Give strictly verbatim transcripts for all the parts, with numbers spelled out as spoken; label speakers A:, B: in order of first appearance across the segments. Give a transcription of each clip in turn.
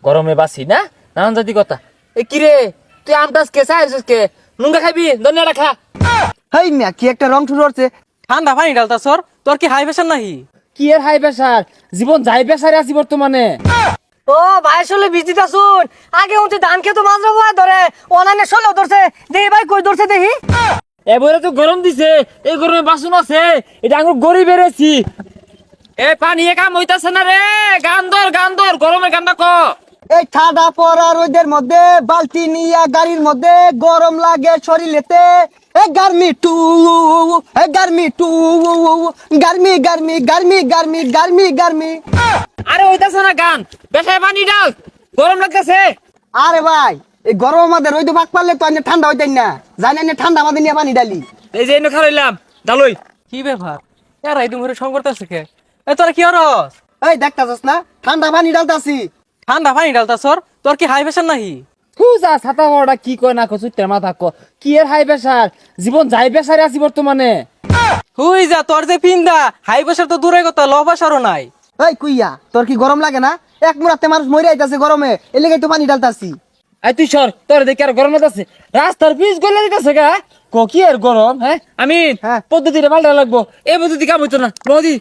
A: গরমে বাসি না নানান জাতি কথা। এ কি রে তুই আমটাস কে চাইছিস কে নুঙ্গা খাবি ধনিয়াটা খা।
B: হেই মিয়া কি একটা রং শুরু হচ্ছে।
C: ঠান্ডা পানি ডালতা সর, তোর কি হাই প্রেশার নাহি?
A: কি এর হাই প্রেসার, জীবন যাই প্রেসারে আছি বর্তমানে।
D: ও ভাই আসলে বিজিতা শুন, আগে উঠে ধান খেতো মাঝরা বয়া ধরে অনানে ষোলো ধরছে, দেখি ভাই কই ধরছে দেখি।
A: এবারে তো গরম দিছে, এই গরমে বাসন আছে, এটা আঙুর গড়ি বেড়েছি। এ পানি এ কাম হইতাছে না রে, গান ধর গান ধর গরমের গানটা ক।
B: এই ঠাডা পড়া রোদের মধ্যে বালতি নিয়া গাড়ির মধ্যে গরম লাগে শরীরেতে। এ গার্মি টু এ গার্মি টু গার্মি গার্মি গার্মি গার্মি গার্মি গার্মি।
A: আরে হইতাছে না গান, বেশায় পানি ডাল, গরম লাগতেছে।
B: আরে ভাই এই গরম আমাদের রোদ পাক পারলে তো আনে ঠান্ডা হইতেন না, জানি না ঠান্ডা আমাদের নিয়ে পানি ডালি।
A: এই যে এনে খাইলাম ডালই।
C: কি ব্যাপার এরা এই দুমরে সং করতেছে কে? এ তোরা কি হরস?
B: এই দেখতাছস না ঠান্ডা পানি ডালতাছি।
C: ঠান্ডা পানি ডালতা সর, তোর কি হাই প্রেশার নাহি?
A: ফুজা ছাতা বড়টা কি কয় না কচু তের মাথা ক। কি এর হাই প্রেসার, জীবন যাই প্রেসারে আছি বর্তমানে।
C: হুই যা, তোর যে পিন্দা হাই প্রেশার তো দূরের কথা, লো প্রেশারও নাই।
B: এই কুইয়া তোর কি গরম লাগে না? এক মুরাতে মানুষ মরে আইতাছে গরমে, এর লেগে তো পানি ডালতাছি।
A: আই তুই সর, তোর দেখে আর গরম লাগতেছে, রাস্তার পিচ গলে দিতেছে গা। ক কি আর গরম, হ্যাঁ আমি
B: হ্যাঁ।
A: পদ্ধতিটা পাল্টা লাগবো, এই পদ্ধতি কাম হইতো না নদী।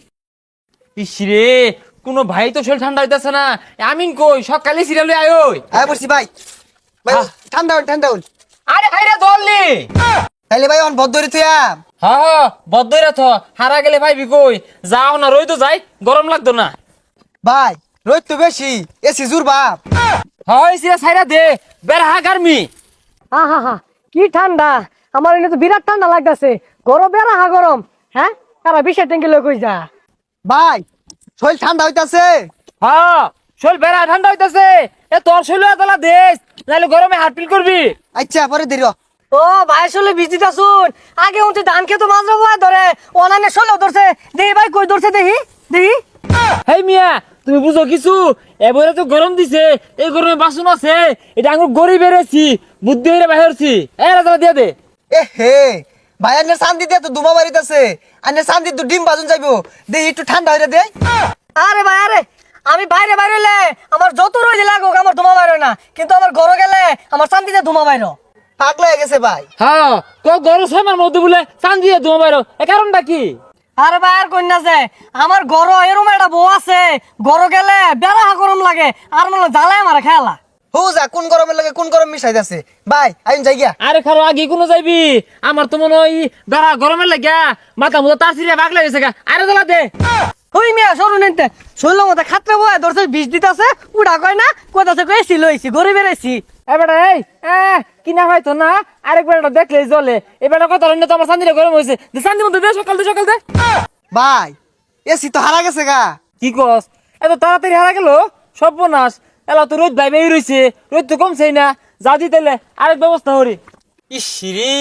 A: ইসরে কোনো ভাই তো শরীর ঠান্ডা হইতাছে না। আমিন কই সকালে সিরিয়ালে আয় ওই।
B: আয় বসি ভাই ভাই
A: হ্যাঁ।
B: ঠান্ডা হন ঠান্ডা হন।
A: আরে ভাইরা ধরলি।
B: তাইলে ভাই অন ভদ্দরি তুইয়া
A: হ্যাঁ বদ্ধই থ, হারা গেলে ভাইবি কই যাও না, রই তো যাই, গরম লাগতো না।
B: ভাই রোদ তো বেশি, এসি জুর বাপ।
A: হয় সিরা সাইরা দে, বের হা গার্মি।
D: হা হা হা কি ঠান্ডা, আমার এনে তো বিরাট ঠান্ডা লাগতেছে। গরম বেড়া হা গরম, হ্যাঁ তারা বিশের ট্যাঙ্কি লই কই যা।
B: ভাই শরীর ঠান্ডা হইতাছে।
A: হ্যাঁ শরীর বেড়া ঠান্ডা হইতাছে, এ তোর শরীর এতলা দেশ, নাহলে গরমে হাত পিল করবি।
B: আচ্ছা পরে দেরি হ।
D: ও ভাই আসলে বিজিতা শুন, আগে উঠে ধান খেতো মাঝরা বয়া ধরে অনানে ষোলো ধরছে, দেখি ভাই কই ধরছে দেখি দেখি।
A: হেই মিয়া তুমি বুঝো কিছু, এবারে তো গরম দিছে, এই গরমে বাসন আছে, এটা আঙুর গড়ি বেড়েছি, বুদ্ধি হইরে বাহিরছি। এ রাজা দিয়ে দে।
B: এ হে ভাই আনে শান্তি দিয়ে তো দুমা বাড়িতেছে, আনে শান্তি তো ডিম বাজুন যাইবো, দে একটু ঠান্ডা হইরে দে।
D: আরে ভাই আরে, আমি বাইরে বাইরে হইলে আমার যত রোজ লাগুক আমার ধুমা বাইর হয় না, কিন্তু আমার ঘরে গেলে আমার শান্তিতে ধুমা বাইর।
B: পাগলা হয়ে গেছে ভাই।
A: হ্যাঁ ক গরম ছয় মধ্যে বলে চান দিয়ে তোমার বাইর, এ কারণটা কি?
D: আরে ভাই আর কন্যা যে আমার গরো এরম একটা বউ আছে, গরো গেলে বেড়া গরম লাগে আর মনে জ্বালায় আমার খেলা।
B: হু যা কোন গরমের লাগে কোন গরম মিশাইতাছে ভাই, আইন যাই গিয়া।
A: আরে খারো আগে কোনো যাইবি, আমার তো মনে হয় বেড়া গরমের লাগিয়া মাথা মুথা তার সিরিয়া বাগ লাগেছে গা। আরে জ্বালা দে।
D: ওই মেয়ে সরু নিতে শরীর মতো খাতরে বয় ধরছে, বিষ দিতেছে, উড়া কয় না কোথাছে কয়েছি লইছি গড়ে বেড়াইছি।
A: এবারে এই এ কিনা হয়তো না, আরেকবার এটা দেখলে জলে, এবার কথা হইলে তো আমার শান্তিটা গরম হয়েছে, শান্তি মতো দে, সকাল দে সকাল দে।
B: ভাই এসি তো হারা গেছে গা।
A: কি কস এত তাড়াতাড়ি হারা গেল, সর্বনাশ। এলা তো রোদ ভাইবে রয়েছে, রোদ তো কমছেই না, যা দিতেলে আরেক ব্যবস্থা করি। ইসিরে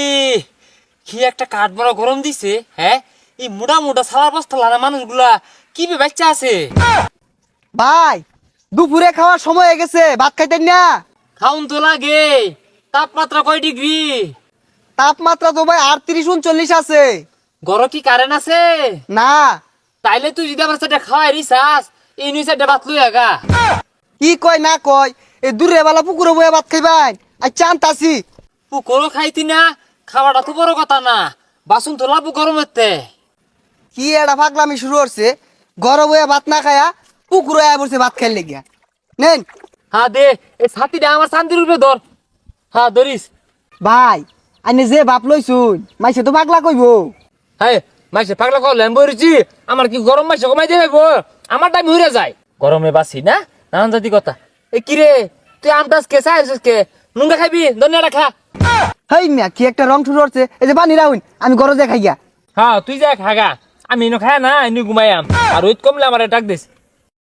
A: কি একটা কাঠ বড় গরম দিছে, হ্যাঁ এই মোটা মোটা সারা বস্তা লানা মানুষগুলা কি বে বাচ্চা আছে।
B: ভাই দুপুরে খাওয়ার সময় হয়ে গেছে, ভাত খাইতেন না?
A: খাউন তো লাগে, তাপমাত্রা কয় ডিগ্রি?
B: তাপমাত্রা তো ভাই আটত্রিশ উনচল্লিশ আছে।
A: গরম কি কারেন্ট আছে?
B: না।
A: তাইলে তুই যদি আমার সাথে খাওয়াই রিসাস, এই নিয়ে সাথে ভাত লই আগা।
B: কি কয় না কয়, এই দূরে বেলা পুকুরে বয়ে ভাত খাইবাই। আচ্ছা আনতাছি।
A: পুকুরও খাইতি না, খাওয়াটা তো বড় কথা না, বাসন তো লাভ গরমেতে।
B: কি এটা পাগলামি শুরু করছে, গরম হয়ে ভাত না খায়া পুকুরে আয়া বসে ভাত খাইলে গিয়া নেন।
A: হ্যাঁ দে, এই ছাতিটা আমার শান্তির রূপে ধর। হ্যাঁ ধরিস।
B: ভাই আইনে যে বাপ লইছুন মাইসে তো পাগলা কইব।
A: হ্যাঁ মাইসে পাগলা কল বইছি, আমার কি গরম মাইসে কমাই দেবে, আমার টাইম হইরে যায়। গরমে বাসি না নানান জাতি কথা। এ কি রে তুই আমটাস কে চাইছিস কে নুঙ্গা খাইবি ধনিয়াটা খা।
B: হেই মিয়া কি একটা রং শুরু করছে, এই যে পানি রাউন আমি গরজে খাইয়া।
A: হ্যাঁ তুই যা খাগা, আমি এনে খায় না এনে ঘুমাইয়াম, আর রোদ কমলে আমার ডাক দিস।